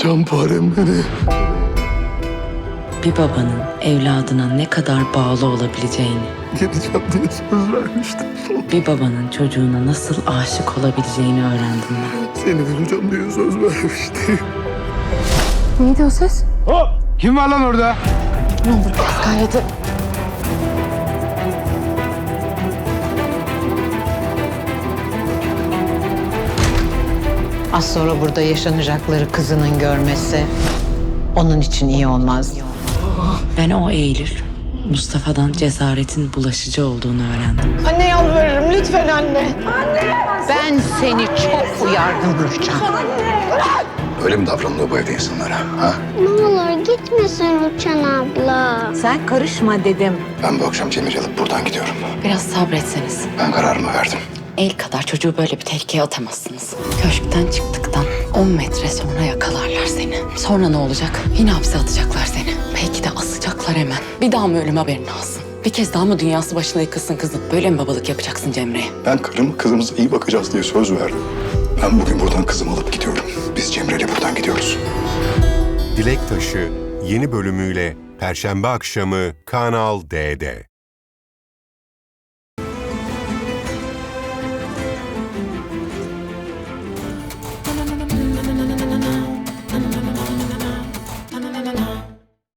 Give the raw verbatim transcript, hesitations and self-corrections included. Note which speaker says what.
Speaker 1: Şamparem beni.
Speaker 2: Bir babanın evladına ne kadar bağlı olabileceğini,
Speaker 1: Geleceğim diye söz vermiştim.
Speaker 2: bir babanın çocuğuna nasıl aşık olabileceğini öğrendim ben.
Speaker 1: Seni bulacağım diye söz vermiştim.
Speaker 3: Neydi o ses?
Speaker 4: Hop! Kim var lan orada?
Speaker 3: Ne olur biraz gayreti.
Speaker 5: Az sonra burada yaşanacakları kızının görmesi onun için iyi olmaz.
Speaker 2: Ben o Eylül, Mustafa'dan cesaretin bulaşıcı olduğunu öğrendim.
Speaker 3: Anne yalvarırım lütfen anne.
Speaker 5: Ben seni çok uyardım Rüçhan.
Speaker 1: Öyle mi davranılıyor bu evde insanlara? Ha?
Speaker 6: Ne olur gitmesin Rüçhan abla.
Speaker 5: Sen karışma dedim.
Speaker 1: Ben bu akşam Cemil'i alıp buradan gidiyorum.
Speaker 2: Biraz sabretseniz.
Speaker 1: Ben kararımı verdim.
Speaker 2: El kadar çocuğu böyle bir tehlikeye atamazsınız. Köşkten çıktıktan on metre sonra yakalarlar seni. Sonra ne olacak? Yine hapse atacaklar seni. Belki de asacaklar hemen. Bir daha mı ölüm haberin alsın? Bir kez daha mı dünyası başına yıkılsın kızım? Böyle mi babalık yapacaksın Cemre'ye?
Speaker 1: Ben karım kızımıza iyi bakacağız diye söz verdim. Ben bugün buradan kızımı alıp gidiyorum. Biz Cemre'yle buradan gidiyoruz.
Speaker 7: Dilek Taşı yeni bölümüyle Perşembe akşamı Kanal D'de.